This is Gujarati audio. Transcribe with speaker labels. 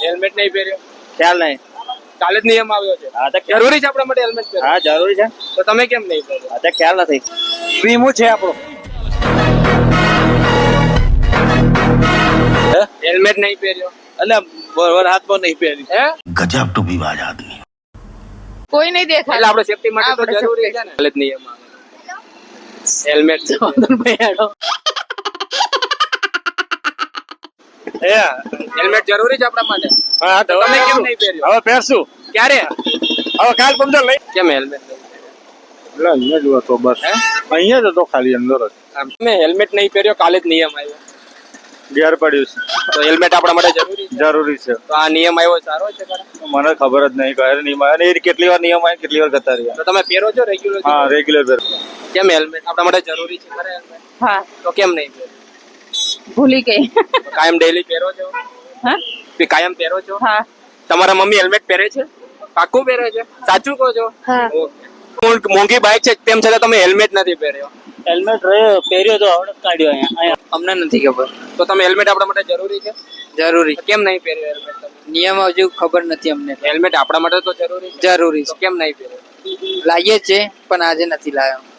Speaker 1: હેલ્મેટ નહીં પહેર્યો,
Speaker 2: ખ્યાલ નહીં.
Speaker 1: કાલે જ નિયમ આવ્યો છે.
Speaker 2: હા તો
Speaker 1: જરૂરી છે આપણા માટે હેલ્મેટ પહેરવું?
Speaker 2: હા જરૂરી છે.
Speaker 1: તો તમે કેમ નહીં પહેર્યો?
Speaker 2: હા તો ખ્યાલ નથી. વીમો છે આપણો.
Speaker 1: હેલ્મેટ નહીં પહેર્યો
Speaker 2: એટલે બરોબર હાથમાં નહીં પહેરી.
Speaker 1: હે
Speaker 3: गजब टू बी बाज आदमी.
Speaker 4: કોઈ નહીં
Speaker 1: એટલે
Speaker 4: દેખાય.
Speaker 1: આપણે સેફટી માટે તો જરૂરી છે ને. કાલે જ નિયમ આવ્યો હેલ્મેટ હેલ્મેટ જરૂરી છે આપણા માટે.
Speaker 2: હા તો
Speaker 1: તમે કેમ નહીં પહેર્યો?
Speaker 2: હવે પહેરશું.
Speaker 1: ક્યારે?
Speaker 2: હવે કાલ પંદર લઈ.
Speaker 1: કેમ હેલ્મેટ નહીં
Speaker 2: એટલે અહીંયા જ હતો બસ.
Speaker 1: હે?
Speaker 2: અહીંયા જ હતો ખાલી અંદર જ.
Speaker 1: પહેર્યો? તમે હેલ્મેટ નહીં પહેર્યો, કાલે જ નિયમ આવ્યો.
Speaker 2: ઘેર પડ્યું છે.
Speaker 1: તો હેલ્મેટ આપણા માટે જરૂરી છે.
Speaker 2: જરૂરી છે.
Speaker 1: તો આ નિયમ આવ્યો સારો છે ખરા?
Speaker 2: મને ખબર જ નહીં કયા નિયમ આવે. અને એ કેટલી વાર નિયમ આવે કેટલી વાર કરતા રહ્યા.
Speaker 1: તો તમે પહેરો છો રેગ્યુલર?
Speaker 2: હા રેગ્યુલર પહેર.
Speaker 1: કેમ હેલ્મેટ આપણા માટે જરૂરી છે ખરા હેલ્મેટ?
Speaker 4: હા
Speaker 1: તો કેમ નહીં પહેરો?
Speaker 4: ભૂલી ગઈ.
Speaker 1: તો કાયમ ડેઈલી પહેરો છો?
Speaker 4: હા
Speaker 1: કે કાયમ પહેરો છો?
Speaker 4: હા
Speaker 1: તમારા મમ્મી હેલ્મેટ પહેરે છે? પાક્કું પહેરે છે? સાચું કહો છો?
Speaker 4: હા.
Speaker 1: ઓકે. મોંઘી બાઇક છે તેમ છતાં તમે હેલ્મેટ નથી પહેર્યો.
Speaker 2: હેલ્મેટ પહેર્યો તો આવડે કાઢ્યો અહીંયા.
Speaker 1: અમને નથી ખબર. તો તમે હેલ્મેટ આપણા માટે જરૂરી છે?
Speaker 5: જરૂરી
Speaker 1: તો કેમ નહીં પહેર્યો હેલ્મેટ તમે?
Speaker 5: નિયમ હજુ ખબર નથી અમને.
Speaker 1: હેલ્મેટ આપણા માટે તો જરૂરી છે.
Speaker 5: જરૂરી
Speaker 1: તો કેમ નહીં પહેર્યો?
Speaker 5: લાવીએ છે પણ આજે નથી લાવ્યો.